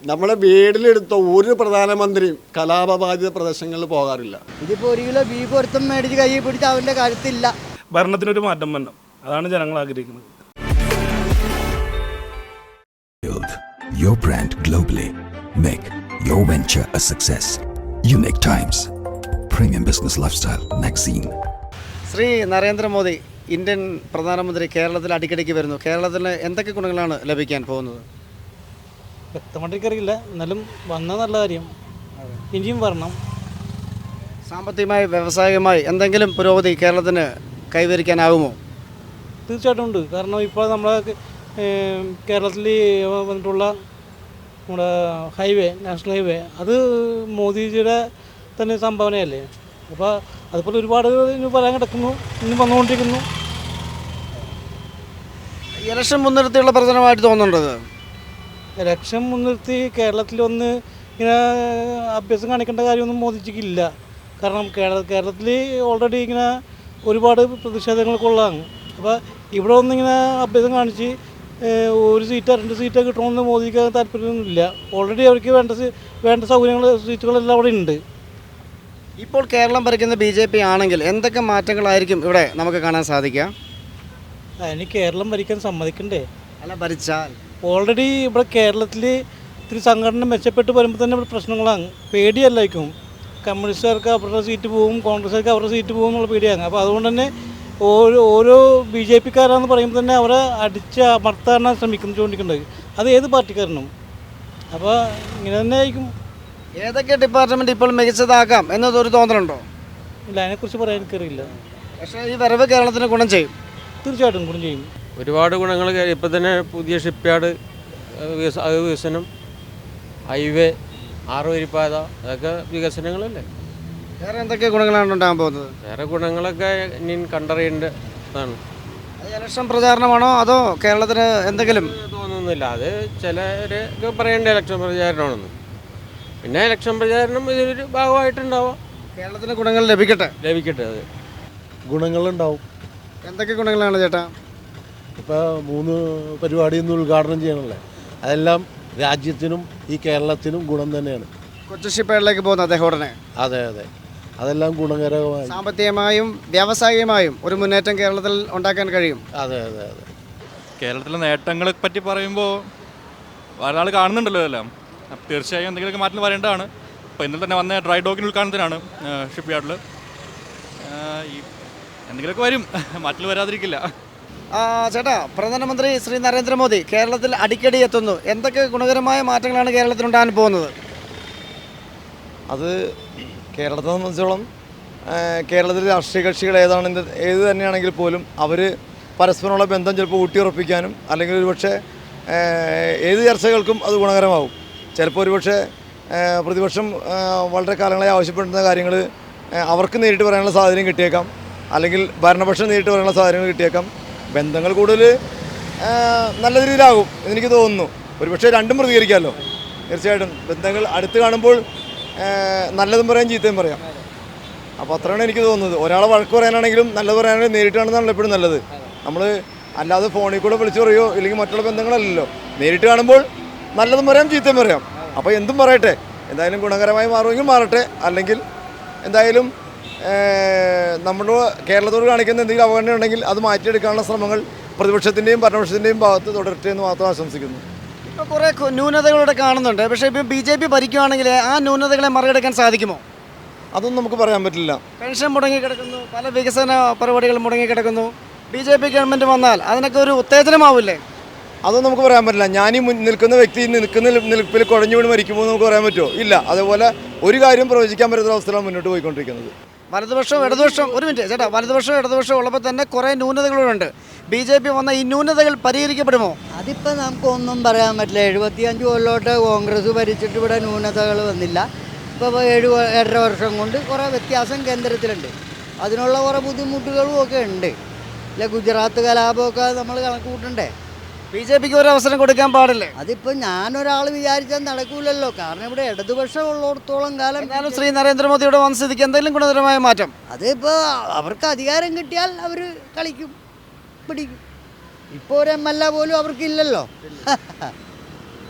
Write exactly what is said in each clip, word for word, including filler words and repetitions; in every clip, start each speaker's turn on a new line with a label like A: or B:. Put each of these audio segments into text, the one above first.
A: നമ്മളെ വീട്ടിലെടുത്ത ഒരു പ്രധാനമന്ത്രിയും കലാപബാധിത പ്രദേശങ്ങളിൽ പോകാറില്ല.
B: ഇതിപ്പോൾ ഒരു കിലോ ബീഫ് ഒരുത്തം മേടിച്ച് കൈ പിടിച്ച് അവൻ്റെ കാര്യത്തില്ല.
C: ഭരണത്തിനൊരു മാറ്റം വരണം, അതാണ് ജനങ്ങൾ ആഗ്രഹിക്കുന്നത്.
D: Build your brand globally. Make your venture a success. Unique Times, Premium Business Lifestyle Magazine.
E: Shri Narendra Modi Indian പ്രധാനമന്ത്രി കേരളത്തിൽ അടിക്കടിക്ക് വരുന്നു. കേരളത്തിന് എന്തൊക്കെ ഗുണങ്ങളാണ് ലഭിക്കാൻ പോകുന്നത്?
F: വ്യക്തമായിട്ട് അറിയില്ല, എന്നാലും വന്നാൽ നല്ല കാര്യം. ഇനിയും വരണം.
E: സാമ്പത്തികമായി വ്യവസായികമായി എന്തെങ്കിലും പുരോഗതി കേരളത്തിന് കൈവരിക്കാനാകുമോ?
F: തീർച്ചയായിട്ടും ഉണ്ട്. കാരണം ഇപ്പോൾ നമ്മളെ കേരളത്തിൽ വന്നിട്ടുള്ള നമ്മുടെ ഹൈവേ, നാഷണൽ ഹൈവേ, അത് മോദിജിയുടെ തന്നെ സംഭാവനയല്ലേ. അപ്പോൾ അതുപോലെ ഒരുപാട് ഇനി പറയാൻ കിടക്കുന്നു, ഇനി വന്നുകൊണ്ടിരിക്കുന്നു.
E: ഇലക്ഷൻ മുൻനിർത്തിയുള്ള പ്രചരണമായിട്ട് തോന്നുന്നുണ്ടത്?
F: ഇലക്ഷൻ മുൻനിർത്തി കേരളത്തിൽ വന്ന് ഇങ്ങനെ അഭ്യാസം കാണിക്കേണ്ട കാര്യമൊന്നും മോദിജിക്കില്ല. കാരണം കേരള കേരളത്തിൽ ഓൾറെഡി ഇങ്ങനെ ഒരുപാട് പ്രതിഷേധങ്ങൾക്കുള്ളതാണ്. അപ്പോൾ ഇവിടെ ഒന്നിങ്ങനെ അഭ്യാസം കാണിച്ച് ഒരു സീറ്റോ രണ്ട് സീറ്റോ കിട്ടണമെന്ന് മോദിക്ക് താല്പര്യമൊന്നുമില്ല. ഓൾറെഡി അവർക്ക് വേണ്ട വേണ്ട സൗകര്യങ്ങൾ, സീറ്റുകളെല്ലാം അവിടെ ഉണ്ട്.
E: ഇപ്പോൾ കേരളം ഭരിക്കുന്ന ബി ജെ പി ആണെങ്കിൽ എന്തൊക്കെ മാറ്റങ്ങളായിരിക്കും ഇവിടെ നമുക്ക് കാണാൻ സാധിക്കുക?
F: അതിന് കേരളം ഭരിക്കാൻ സമ്മതിക്കണ്ടേ?
E: അല്ല, ഭരിച്ചാൽ
F: ഓൾറെഡി ഇവിടെ കേരളത്തിൽ ഇത്തിരി സംഘടന മെച്ചപ്പെട്ട് വരുമ്പോൾ തന്നെ ഇവിടെ പ്രശ്നങ്ങളാണ്. പേടിയല്ലായിരിക്കും. കമ്മ്യൂണിസ്റ്റുകാർക്ക് അവരുടെ സീറ്റ് പോകും, കോൺഗ്രസ്സുകാർക്ക് അവരുടെ സീറ്റ് പോകും എന്നുള്ള പേടിയാണ്. അപ്പോൾ അതുകൊണ്ട് തന്നെ ഓരോ ഓരോ ബി ജെ പിക്കാരാണെന്ന് പറയുമ്പോൾ തന്നെ അവരെ അടിച്ച് അമർത്താനാണ് ശ്രമിക്കുന്നത് ചോദിക്കേണ്ടത്. അത് ഏത് പാർട്ടിക്കാരനും. അപ്പോൾ ഇങ്ങനെ തന്നെ ആയിരിക്കും.
E: ഏതൊക്കെ ഡിപ്പാർട്ട്മെൻറ്റ് ഇപ്പോൾ മികച്ചതാക്കാം എന്നതൊരു തോന്നലുണ്ടോ?
F: ഇല്ല, അതിനെക്കുറിച്ച് പറയാൻ എനിക്കറിയില്ല.
E: പക്ഷേ ഈ വരവ് കേരളത്തിന് ഗുണം ചെയ്യും.
F: തീർച്ചയായിട്ടും ഗുണം ചെയ്യും.
G: ഒരുപാട് ഗുണങ്ങൾ. ഇപ്പം തന്നെ പുതിയ ഷിപ്പ്യാർഡ് വികസനം, ഹൈവേ, ആറുവരിപ്പാത, അതൊക്കെ വികസനങ്ങളല്ലേ.
E: വേറെ എന്തൊക്കെ ഗുണങ്ങളാണ് ഉണ്ടാകാൻ പോകുന്നത്?
G: വേറെ ഗുണങ്ങളൊക്കെ ഇനി കണ്ടറിയേണ്ട ഇതാണ്.
E: അത് ഇലക്ഷൻ പ്രചാരണമാണോ അതോ കേരളത്തിന് എന്തെങ്കിലും
G: തോന്നുന്നില്ല. അത് ചിലരൊക്കെ പറയേണ്ട ഇലക്ഷൻ പ്രചാരണമാണെന്ന്. പിന്നെ ഇലക്ഷൻ പ്രചാരണം ഇതിലൊരു ഭാഗമായിട്ടുണ്ടാവാം.
E: കേരളത്തിന് ഗുണങ്ങൾ ലഭിക്കട്ടെ
G: ലഭിക്കട്ടെ. അത്
H: ഗുണങ്ങളുണ്ടാവും.
E: എന്തൊക്കെ ഗുണങ്ങളാണ് ചേട്ടാ?
H: ഇപ്പോൾ മൂന്ന് പരിപാടി ഇന്ന് ഉദ്ഘാടനം ചെയ്യണമല്ലേ, അതെല്ലാം രാജ്യത്തിനും ഈ കേരളത്തിനും ഗുണം തന്നെയാണ്.
E: കൊച്ചു ഷിപ്പേഡിലേക്ക് പോകുന്ന അദ്ദേഹം ഉടനെ.
H: അതെ അതെ, അതെല്ലാം ഗുണകരമായി.
E: സാമ്പത്തികമായും വ്യാവസായികമായും ഒരു മുന്നേറ്റം കേരളത്തിൽ ഉണ്ടാക്കാൻ കഴിയും.
H: അതെ അതെ അതെ.
I: കേരളത്തിലെ നേട്ടങ്ങളെ പറ്റി പറയുമ്പോൾ ഒരാൾ കാണുന്നുണ്ടല്ലോ എല്ലാം. തീർച്ചയായും എന്തെങ്കിലുമൊക്കെ മാറ്റം വരേണ്ടതാണ്. ഇപ്പോൾ ഇന്നലെ തന്നെ വന്ന ഡ്രൈ ഡോക്കിന് ഉദ്ഘാടനത്തിനാണ് ഷിപ്പ് യാർഡിൽ. ഈ എന്തെങ്കിലുമൊക്കെ വരും, മാറ്റൽ വരാതിരിക്കില്ല.
E: ചേട്ടാ, പ്രധാനമന്ത്രി ശ്രീ നരേന്ദ്രമോദി കേരളത്തിൽ അടിക്കടി എത്തുന്നു. എന്തൊക്കെ ഗുണകരമായ മാറ്റങ്ങളാണ് കേരളത്തിൽ ഉണ്ടാകാൻ പോകുന്നത്?
J: അത് കേരളത്തെ സംബന്ധിച്ചോളം കേരളത്തിലെ രാഷ്ട്രീയ കക്ഷികൾ ഏതാണ് ഏത് തന്നെയാണെങ്കിൽ പോലും അവർ പരസ്പരമുള്ള ബന്ധം ചിലപ്പോൾ ഊട്ടിയുറപ്പിക്കാനും അല്ലെങ്കിൽ ഒരുപക്ഷെ ഏത് ചർച്ചകൾക്കും അത് ഗുണകരമാവും. ചിലപ്പോൾ ഒരുപക്ഷെ പ്രതിപക്ഷം വളരെ കാലങ്ങളായി ആവശ്യപ്പെടുന്ന കാര്യങ്ങൾ അവർക്ക് നേരിട്ട് പറയാനുള്ള സാഹചര്യം കിട്ടിയേക്കാം, അല്ലെങ്കിൽ ഭരണപക്ഷം നേരിട്ട് പറയാനുള്ള സാഹചര്യങ്ങൾ കിട്ടിയേക്കാം. ബന്ധങ്ങൾ കൂടുതൽ നല്ല രീതിയിലാകും എന്നെനിക്ക് തോന്നുന്നു. ഒരുപക്ഷെ രണ്ടും പ്രതികരിക്കാമല്ലോ. തീർച്ചയായിട്ടും ബന്ധങ്ങൾ അടുത്ത് കാണുമ്പോൾ നല്ലതും പറയാം, ചീത്തയും പറയാം. അപ്പോൾ അത്രയാണ് എനിക്ക് തോന്നുന്നത്. ഒരാളെ വഴക്ക് പറയാനാണെങ്കിലും നല്ലത് പറയാനാണെങ്കിലും നേരിട്ട് കാണുന്നതാണല്ലോ എപ്പോഴും നല്ലത്. നമ്മൾ അല്ലാതെ ഫോണിൽ കൂടെ വിളിച്ചു പറയുമോ ഇല്ലെങ്കിൽ മറ്റുള്ള ബന്ധങ്ങളല്ലല്ലോ. നേരിട്ട് കാണുമ്പോൾ നല്ലതും പറയാം, ചീത്തയും പറയാം. അപ്പോൾ എന്തും പറയട്ടെ, എന്തായാലും ഗുണകരമായി മാറുമെങ്കിൽ മാറട്ടെ, അല്ലെങ്കിൽ എന്തായാലും നമ്മുടെ കേരളത്തോട് കാണിക്കുന്ന എന്തെങ്കിലും അവഗണന ഉണ്ടെങ്കിൽ അത് മാറ്റിയെടുക്കാനുള്ള ശ്രമങ്ങൾ പ്രതിപക്ഷത്തിൻ്റെയും ഭരണപക്ഷത്തിൻ്റെയും ഭാഗത്ത് തുടരട്ടെ എന്ന് മാത്രം ആശംസിക്കുന്നു.
E: ഇപ്പോൾ കുറേ ന്യൂനതകളോടെ കാണുന്നുണ്ട്. പക്ഷേ ഇപ്പോൾ ബി ജെ പി ഭരിക്കുകയാണെങ്കിൽ ആ ന്യൂനതകളെ മറികടക്കാൻ സാധിക്കുമോ?
J: അതൊന്നും നമുക്ക് പറയാൻ പറ്റില്ല.
E: പെൻഷൻ മുടങ്ങിക്കിടക്കുന്നു, പല വികസന പരിപാടികൾ മുടങ്ങിക്കിടക്കുന്നു. ബി ജെ പി ഗവൺമെൻറ് വന്നാൽ അതിനൊക്കെ ഒരു ഉത്തേജനമാവില്ലേ?
J: അതൊന്നും നമുക്ക് പറയാൻ പറ്റില്ല. ഞാനീ നിൽക്കുന്ന വ്യക്തി നിൽക്കുന്ന നിൽപ്പിൽ കുഴഞ്ഞു വീണ് മരിക്കുമ്പോൾ നമുക്ക് പറയാൻ പറ്റുമോ? ഇല്ല. അതേപോലെ ഒരു കാര്യം പ്രവചിക്കാൻ പറ്റുന്ന അവസ്ഥയിലാണ് മുന്നോട്ട് പോയിക്കൊണ്ടിരിക്കുന്നത്.
E: വലതുപക്ഷവും ഇടതുപക്ഷവും ഒരു മിനിറ്റ് ചേട്ടാ, വലതുപക്ഷവും ഇടതുപക്ഷവും ഉള്ളപ്പോൾ തന്നെ കുറേ ന്യൂനതകളുണ്ട്. ബി ജെ പി വന്ന ഈ ന്യൂനതകൾ പരിഹരിക്കപ്പെടുമോ?
B: അതിപ്പോൾ നമുക്കൊന്നും പറയാൻ പറ്റില്ല. എഴുപത്തിയഞ്ച് കൊല്ലോട്ട് കോൺഗ്രസ് ഭരിച്ചിട്ട് ഇവിടെ ന്യൂനതകൾ വന്നില്ല. ഇപ്പോൾ ഏഴ് ഏഴര വർഷം കൊണ്ട് കുറേ വ്യത്യാസം കേന്ദ്രത്തിലുണ്ട്. അതിനുള്ള കുറേ ബുദ്ധിമുട്ടുകളും ഒക്കെ ഉണ്ട്. ഇല്ല, ഗുജറാത്ത് കലാപമൊക്കെ നമ്മൾ കണക്ക് കൂട്ടണ്ടേ?
E: ബി ജെ പിക്ക് ഒരു അവസരം കൊടുക്കാൻ പാടില്ലേ?
B: അതിപ്പോൾ ഞാനൊരാൾ വിചാരിച്ചാൽ നടക്കൂലല്ലോ. കാരണം ഇവിടെ ഇടതുപക്ഷം ഉള്ളിടത്തോളം കാലം
E: എന്നാലും ശ്രീ നരേന്ദ്രമോദിയുടെ വന്ന സ്ഥിതിക്ക് എന്തെങ്കിലും ഗുണകരമായ മാറ്റം
B: അതിപ്പോൾ അവർക്ക് അധികാരം കിട്ടിയാൽ അവർ കളിക്കും, പിടിക്കും. ഇപ്പോൾ ഒരു എം എൽ എ പോലും അവർക്കില്ലല്ലോ.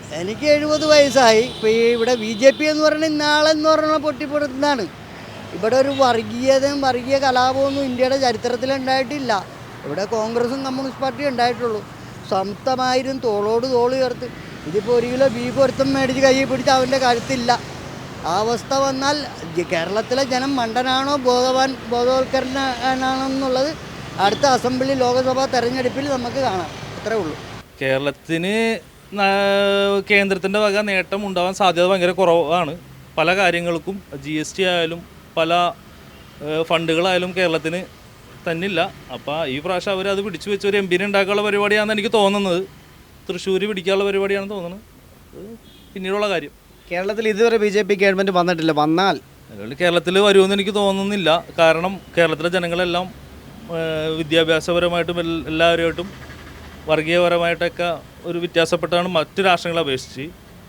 B: എനിക്ക് എഴുപത് വയസ്സായി. ഇപ്പോൾ ഈ ഇവിടെ ബി ജെ പി എന്ന് പറയുന്നത് ഇന്നാളെന്ന് പറഞ്ഞാൽ പൊട്ടിപ്പൊടുത്തുന്നതാണ്. ഇവിടെ ഒരു വർഗീയതയും വർഗീയ കലാപമൊന്നും ഇന്ത്യയുടെ ചരിത്രത്തിൽ ഉണ്ടായിട്ടില്ല. ഇവിടെ കോൺഗ്രസും കമ്മ്യൂണിസ്റ്റ് പാർട്ടിയും ഉണ്ടായിട്ടുള്ളൂ. സമത്വമായിരും തോളോട് തോള് ചേർത്ത്. ഇതിപ്പോൾ ഒരു കിലോ ബീഫ് ഒരുത്തം മേടിച്ച് കൈ പിടിച്ച് അവൻ്റെ കരുത്തില്ല. ആ അവസ്ഥ വന്നാൽ കേരളത്തിലെ ജനം മണ്ടനാണോ ബോധവാൻ ബോധവൽക്കരണനാണോ എന്നുള്ളത് അടുത്ത അസംബ്ലി ലോക്സഭാ തെരഞ്ഞെടുപ്പിൽ നമുക്ക് കാണാം. അത്രേ ഉള്ളൂ.
F: കേരളത്തിന് കേന്ദ്രത്തിൻ്റെ വക നേട്ടം ഉണ്ടാവാൻ സാധ്യത ഭയങ്കര കുറവാണ്. പല കാര്യങ്ങൾക്കും ജി എസ് ടി ആയാലും പല ഫണ്ടുകളായാലും കേരളത്തിന് തന്നില്ല. അപ്പോൾ ഈ പ്രാവശ്യം അവർ അത് പിടിച്ചു വെച്ച് ഒരു എം പിനെ ഉണ്ടാക്കാനുള്ള പരിപാടിയാണെന്ന് എനിക്ക് തോന്നുന്നത്. തൃശ്ശൂർ പിടിക്കാനുള്ള പരിപാടിയാണെന്ന് തോന്നുന്നത്. പിന്നീടുള്ള കാര്യം
E: കേരളത്തിൽ ഇതുവരെ ബി ജെ പി ഗവൺമെൻറ് വന്നിട്ടില്ല. വന്നാൽ
F: അതുകൊണ്ട് കേരളത്തിൽ വരുമെന്ന് എനിക്ക് തോന്നുന്നില്ല. കാരണം കേരളത്തിലെ ജനങ്ങളെല്ലാം വിദ്യാഭ്യാസപരമായിട്ടും എല്ലാവരുമായിട്ടും വർഗീയപരമായിട്ടൊക്കെ ഒരു വ്യത്യാസപ്പെട്ടാണ് മറ്റു രാഷ്ട്രങ്ങളെ അപേക്ഷിച്ച്.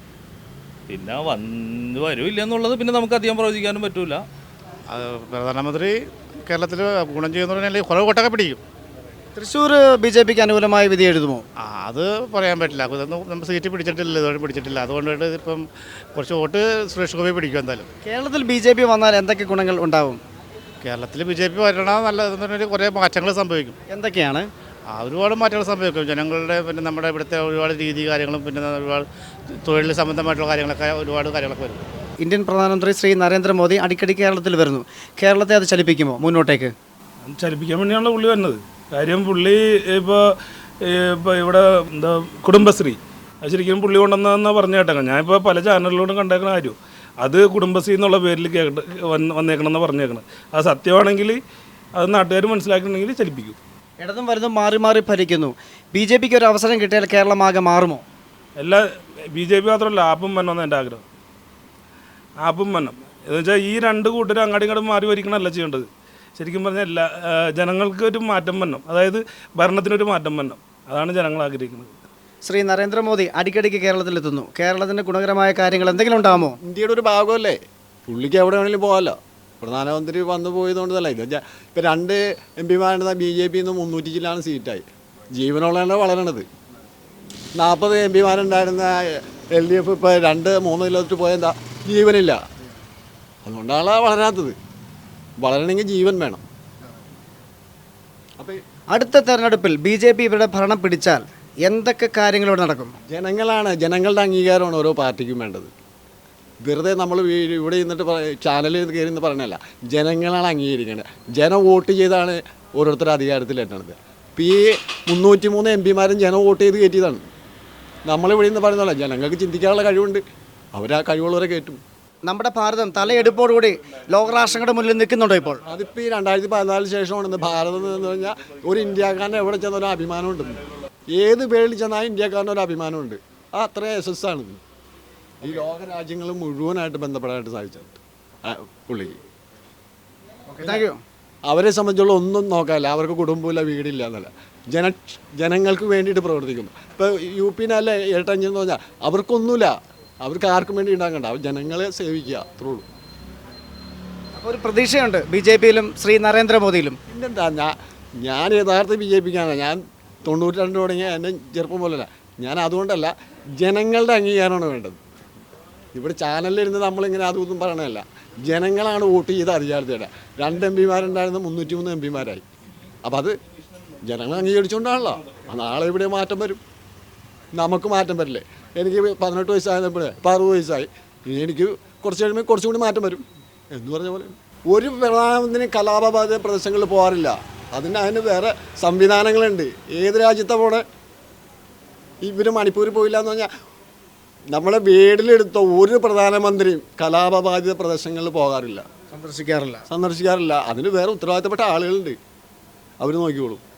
F: പിന്നെ വന്ന് വരുമില്ല എന്നുള്ളത് പിന്നെ നമുക്ക് അധികം പ്രവചിക്കാനും പറ്റില്ല.
C: പ്രധാനമന്ത്രി കേരളത്തിൽ ഗുണം ചെയ്യുന്നതിനാൽ കുറവ് വോട്ടൊക്കെ പിടിക്കും.
E: തൃശ്ശൂർ ബി ജെ പിക്ക് അനുകൂലമായ വിധി എഴുതുമോ?
C: ആ അത് പറയാൻ പറ്റില്ല. അതൊന്നും നമ്മൾ സീറ്റ് പിടിച്ചിട്ടില്ല, ഇതുവരെ പിടിച്ചിട്ടില്ല. അതുകൊണ്ടിട്ട് ഇപ്പം കുറച്ച് വോട്ട് സുരേഷ് ഗോപി പിടിക്കും എന്തായാലും.
E: കേരളത്തിൽ ബി ജെ പി വന്നാൽ എന്തൊക്കെ ഗുണങ്ങൾ ഉണ്ടാവും?
C: കേരളത്തിൽ ബി ജെ പി വരണം നല്ലതെന്ന് പറഞ്ഞാൽ കുറേ മാറ്റങ്ങൾ സംഭവിക്കും.
E: എന്തൊക്കെയാണ്?
C: ആ ഒരുപാട് മാറ്റങ്ങൾ സംഭവിക്കും. ജനങ്ങളുടെ പിന്നെ നമ്മുടെ ഇവിടുത്തെ ഒരുപാട് രീതി കാര്യങ്ങളും പിന്നെ ഒരുപാട് തൊഴിൽ സംബന്ധമായിട്ടുള്ള കാര്യങ്ങളൊക്കെ ഒരുപാട് കാര്യങ്ങളൊക്കെ വരും.
E: ഇന്ത്യൻ പ്രധാനമന്ത്രി ശ്രീ നരേന്ദ്രമോദി അടിക്കടി കേരളത്തിൽ വരുന്നു. കേരളത്തെ അത് ചലിപ്പിക്കുമോ മുന്നോട്ടേക്ക്?
C: ചലിപ്പിക്കാൻ വേണ്ടിയാണല്ലോ പുള്ളി വരുന്നത്. കാര്യം പുള്ളി ഇപ്പോൾ ഇപ്പോൾ ഇവിടെ എന്താ കുടുംബശ്രീ അത് ശരിക്കും പുള്ളി കൊണ്ടുവന്നതെന്നാണ് പറഞ്ഞു കേട്ടേക്കാം. ഞാനിപ്പോൾ പല ചാനലിലൂടെ കണ്ടേക്കുന്ന കാര്യം അത് കുടുംബശ്രീ എന്നുള്ള പേരിൽ കേട്ട് വന്ന് വന്നേക്കണമെന്ന് പറഞ്ഞേക്കണം. അത് സത്യമാണെങ്കിൽ അത് നാട്ടുകാർ മനസ്സിലാക്കണമെങ്കിൽ ചലിപ്പിക്കും.
E: ഇടതും വലുതും മാറി മാറി ഭരിക്കുന്നു. ബി ജെ പിക്ക് ഒരു അവസരം കിട്ടിയാൽ കേരളം ആകെ മാറുമോ?
C: എല്ലാ ബി ജെ പി മാത്രമല്ല ആപ്പും വരണമെന്ന് എൻ്റെ ആഗ്രഹം. ആപ്പും വരണം എന്ന് വെച്ചാൽ ഈ രണ്ട് കൂട്ടരും അങ്ങോട്ടും ഇങ്ങോട്ടും മാറി ഭരിക്കണമല്ല ചെയ്യേണ്ടത്. ശരിക്കും പറഞ്ഞാൽ എല്ലാ ജനങ്ങൾക്ക് ഒരു മാറ്റം വരണം. അതായത് ഭരണത്തിനൊരു മാറ്റം വരണം. അതാണ് ജനങ്ങൾ ആഗ്രഹിക്കുന്നത്.
E: ശ്രീ നരേന്ദ്രമോദി അടിക്കടിക്ക് കേരളത്തിലെത്തുന്നു. കേരളത്തിൻ്റെ ഗുണകരമായ കാര്യങ്ങൾ എന്തെങ്കിലും ഉണ്ടാകുമോ?
A: ഇന്ത്യയുടെ ഒരു ഭാഗമല്ലേ, പുള്ളിക്ക് എവിടെ വേണമെങ്കിലും പോകാമല്ലോ. പ്രധാനമന്ത്രി വന്നു പോയതുകൊണ്ടല്ല. ഇത് ഇപ്പം രണ്ട് എം പിമാരുടെ ബി ജെ പിയിൽ നിന്ന് മുന്നൂറ്റി ചില്ലാണ് സീറ്റായി. ജീവനുള്ളതാണ് വളരണത്. നാൽപ്പത് എം പിമാരുണ്ടായിരുന്ന എൽ ഡി എഫ് ഇപ്പോൾ രണ്ട് മൂന്ന് കിലോമീറ്റർ പോയാൽ എന്താ ജീവനില്ല. അതുകൊണ്ടാണ് വളരാത്തത്. വളരണമെങ്കിൽ ജീവൻ വേണം. അപ്പം
E: അടുത്ത തെരഞ്ഞെടുപ്പിൽ ബി ജെ പി ഇവരുടെ ഭരണം പിടിച്ചാൽ എന്തൊക്കെ കാര്യങ്ങളിവിടെ നടക്കും?
A: ജനങ്ങളാണ്, ജനങ്ങളുടെ അംഗീകാരമാണ് ഓരോ പാർട്ടിക്കും വേണ്ടത്. വെറുതെ നമ്മൾ ഇവിടെ ഇരുന്നിട്ട് ചാനലിൽ കയറി എന്ന് പറഞ്ഞല്ല, ജനങ്ങളാണ് അംഗീകരിക്കേണ്ടത്. ജനം വോട്ട് ചെയ്താണ് ഓരോരുത്തരുടെ അധികാരത്തിലെത്തണത്. ഇപ്പം ഈ മുന്നൂറ്റി മൂന്ന് എം പിമാരും ജനം വോട്ട് ചെയ്ത് കയറ്റിയതാണ്. നമ്മളിവിടെ നിന്ന് പറയുന്നതല്ല, ജനങ്ങൾക്ക് ചിന്തിക്കാനുള്ള കഴിവുണ്ട്. അവരാ കഴിവുള്ളവരെ കയറ്റും.
E: നമ്മുടെ ഭാരതം തലയെടുപ്പോടുകൂടി ലോകരാഷ്ട്രങ്ങളുടെ മുന്നിൽ നിൽക്കുന്നുണ്ടോ ഇപ്പോൾ?
A: അതിപ്പോൾ ഈ രണ്ടായിരത്തി പതിനാലിന് ശേഷമാണ് ഭാരതം എന്ന് പറഞ്ഞാൽ ഒരു ഇന്ത്യക്കാരനെ എവിടെ ചെന്നൊരു അഭിമാനമുണ്ട്. ഏത് പേരിൽ ചെന്നാലും ഇന്ത്യക്കാരന് ഒരു അഭിമാനമുണ്ട്. ആ അത്ര യശസ്സാണിത്. ഈ ലോക രാജ്യങ്ങൾ മുഴുവനായിട്ട് ബന്ധപ്പെടാനായിട്ട് സാധിച്ചിട്ടുണ്ട് പുള്ളിക്ക്.
E: Thank you.
A: അവരെ സംബന്ധിച്ചുള്ള ഒന്നും നോക്കാനില്ല. അവർക്ക് കുടുംബമില്ല, വീടില്ല എന്നല്ല, ജന ജനങ്ങൾക്ക് വേണ്ടിയിട്ട് പ്രവർത്തിക്കുന്നു. ഇപ്പോൾ യു പിന്നല്ല ഏട്ടഞ്ചെന്ന് പറഞ്ഞാൽ അവർക്കൊന്നുമില്ല. അവർക്ക് ആർക്കും വേണ്ടി ഉണ്ടാക്കണ്ട. അവർ ജനങ്ങളെ സേവിക്കുക, അത്രേ ഉള്ളൂ.
E: അപ്പോൾ ഒരു പ്രതീക്ഷയുണ്ട് ബി ജെ പിയിലും ശ്രീ നരേന്ദ്രമോദിയിലും.
A: പിന്നെന്താ, ഞാൻ ഞാൻ യഥാർത്ഥ ബി ജെ പിക്കാണ്. ഞാൻ തൊണ്ണൂറ്റി രണ്ട് തുടങ്ങിയ എന്നെ ചെറുപ്പം പോലല്ല. ഞാൻ അതുകൊണ്ടല്ല, ജനങ്ങളുടെ അംഗീകാരമാണ് വേണ്ടത്. ഇവിടെ ചാനലിലിരുന്ന് നമ്മളിങ്ങനെ അതൊന്നും പറയണമല്ല. ജനങ്ങളാണ് വോട്ട് ചെയ്ത് അധികാരത്തിയുടെ രണ്ട് എം പിമാരുണ്ടായിരുന്ന മുന്നൂറ്റി മൂന്ന് എം പിമാരായി. അപ്പം അത് ജനങ്ങൾ അംഗീകരിച്ചുകൊണ്ടാണല്ലോ. നാളെ ഇവിടെ മാറ്റം വരും. നമുക്ക് മാറ്റം വരില്ലേ? എനിക്ക് പതിനെട്ട് വയസ്സായപ്പോഴേ ഇപ്പോൾ അറുപത് വയസ്സായി. എനിക്ക് കുറച്ച് കഴിയുമ്പോൾ കുറച്ചും കൂടി മാറ്റം വരും എന്ന് പറഞ്ഞ പോലെ. ഒരു പ്രധാനമന്ത്രി കലാപബാധിത പ്രദേശങ്ങളിൽ പോകാറില്ല. അതിന് അതിന് വേറെ സംവിധാനങ്ങളുണ്ട്. ഏത് രാജ്യത്തെ പോണേ? ഇവർ മണിപ്പൂരിൽ പോയില്ല എന്ന് പറഞ്ഞാൽ നമ്മളെ വീട്ടിലെടുത്ത ഒരു പ്രധാനമന്ത്രിയും കലാപബാധിത പ്രദേശങ്ങളിൽ പോകാറില്ല,
E: സന്ദർശിക്കാറില്ല
A: സന്ദർശിക്കാറില്ല അതിന് വേറെ ഉത്തരവാദിത്തപ്പെട്ട ആളുകളുണ്ട്. അവർ നോക്കിക്കോളും.